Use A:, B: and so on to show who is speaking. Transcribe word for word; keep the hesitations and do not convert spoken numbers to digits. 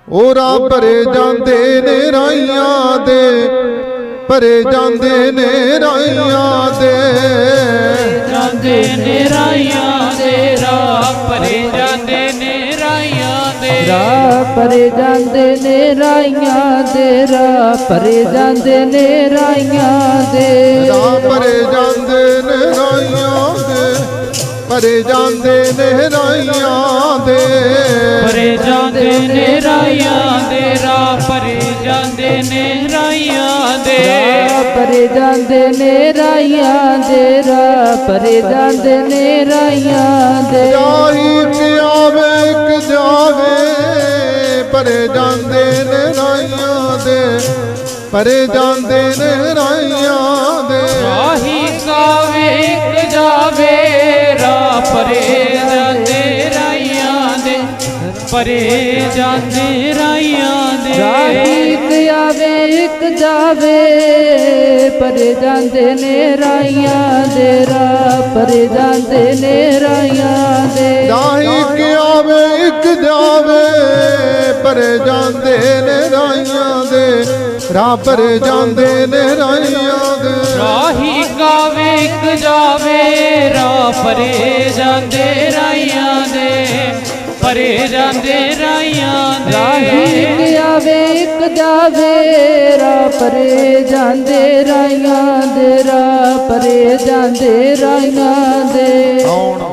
A: ਉਹ ਰਾਹ ਭਰੇ ਜਾਂਦੇ ਨੇ ਰਾਈਆਂ ਦੇ, ਭਰੇ ਜਾਂਦੇ ਨੇ ਰਾਈਆਂ ਦੇ,
B: ਜਾਂਦੇ ਨੇ ਰਾਈਆਂ ਦੇ, ਰਾਹ ਭਰੇ ਜਾਂਦੇ ਨੇ ਰਾਈਆਂ ਦੇ,
C: ਰਾਹ ਭਰੇ ਜਾਂਦੇ ਨੇ ਰਾਈਆਂ ਦੇ, ਰਾਹ ਭਰੇ ਜਾਂਦੇ ਨੇ ਰਾਈਆਂ ਦੇ,
A: ਰਾਹ ਭਰੇ ਜਾਂਦੇ ਨੇ ਰਾਈਆਂ ਦੇ, ਭਰੇ ਜਾਂਦੇ ਨੇ ਰਾਈਆਂ ਦੇ,
B: ਭਰੇ ਜਾਂਦੇ ਨੇ ਰਾਈਆਂ ਦੇ, ਰਾਹ ਭਰੇ ਜਾਂਦੇ ਨੇ ਰਾਈਆਂ ਦੇ,
C: ਰਾਹ ਭਰੇ ਜਾਂਦੇ ਨੇ ਰਾਈਆਂ ਦੇ, ਰਾਹ ਭਰੇ ਜਾਂਦੇ ਨੇ ਰਾਈਆਂ ਦੇ,
A: ਜਾਹੀ ਕਿ ਆਵੇ ਇੱਕ ਜਾਵੇ, ਭਰੇ ਜਾਂਦੇ ਨੇ ਰਾਈਆਂ ਦੇ, ਭਰੇ ਜਾਂਦੇ ਨੇ ਰਾਈਆਂ ਦੇ,
B: ਰਾਹੀ ਕਾਵੇ ਇੱਕ ਜਾਵੇ, ਰਾਹ ਭਰੇ ਜਾਂਦੇ ਰਾਈਆਂ ਦੇ, ਭਰੇ ਜਾਂਦੇ ਰਾਈਆਂ ਦੇ,
C: ਰਾਹੀ ਇੱਕ ਆਵੇ ਇੱਕ ਜਾਵੇ, ਭਰੇ ਜਾਂਦੇ ਨੇ ਰਾਈਆਂ ਦੇ, ਰਾਹ ਭਰੇ ਜਾਂਦੇ ਨੇ ਰਾਈਆਂ ਦੇ,
A: ਜਾਹੀ ਕਿ ਆਵੇ ਇੱਕ ਜਾਵੇ, ਭਰੇ ਜਾਂਦੇ ਨੇ ਰਾਈਆਂ ਦੇ, ਰਾਹ ਭਰੇ ਜਾਂਦੇ ਨੇ ਰਾਈਆਂ ਦੇ,
B: ਰਾਹੀ ਕਾਵੇ ਇੱਕ ਜਾਵੇ, ਰਾਹ ਭਰੇ ਜਾਂਦੇ ਰਾਈਆਂ ਦੇ, ਭਰੇ ਜਾਂਦੇ ਰਾਈਆਂ ਦੇ,
C: ਰਾਹੀ ਇੱਕ ਆਵੇ ਇੱਕ ਜਾਵੇ, ਰਾਹ ਭਰੇ ਜਾਂਦੇ ਰਾਈਆਂ ਦੇ, ਰਾਹ ਭਰੇ ਜਾਂਦੇ ਰਾਈਆਂ ਦੇ।